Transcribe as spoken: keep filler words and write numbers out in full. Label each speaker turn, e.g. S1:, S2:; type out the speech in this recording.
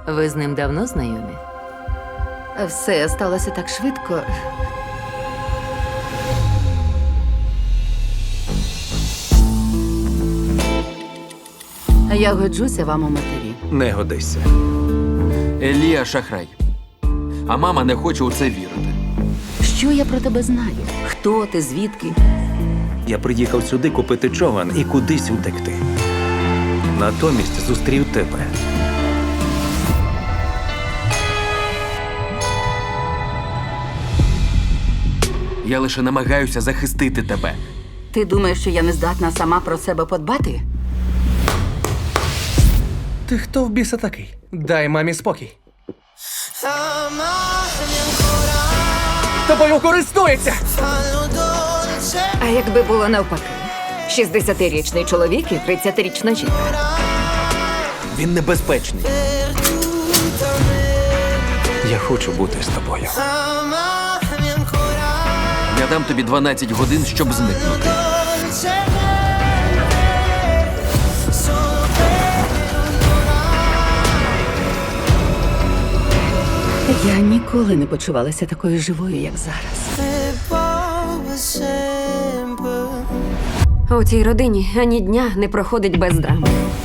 S1: Ви з ним давно знайомі?
S2: Все сталося так швидко. Я годжуся вам у матері.
S3: Не годися.
S4: Елія шахрай. А мама не хоче у це вірити.
S2: Що я про тебе знаю? Хто ти, звідки?
S3: Я приїхав сюди купити човен і кудись утекти. Натомість зустрів тебе.
S4: Я лише намагаюся захистити тебе.
S2: Ти думаєш, що я не здатна сама про себе подбати?
S5: Ти хто в біса такий? Дай мамі спокій. Тобою користується!
S6: А якби було навпаки? шістдесятирічний чоловік і тридцятирічна жінка.
S4: Він небезпечний.
S3: Я хочу бути з тобою.
S4: Я дам тобі дванадцять годин, щоб зникнути.
S2: Я ніколи не почувалася такою живою, як зараз.
S6: У цій родині ані дня не проходить без драми.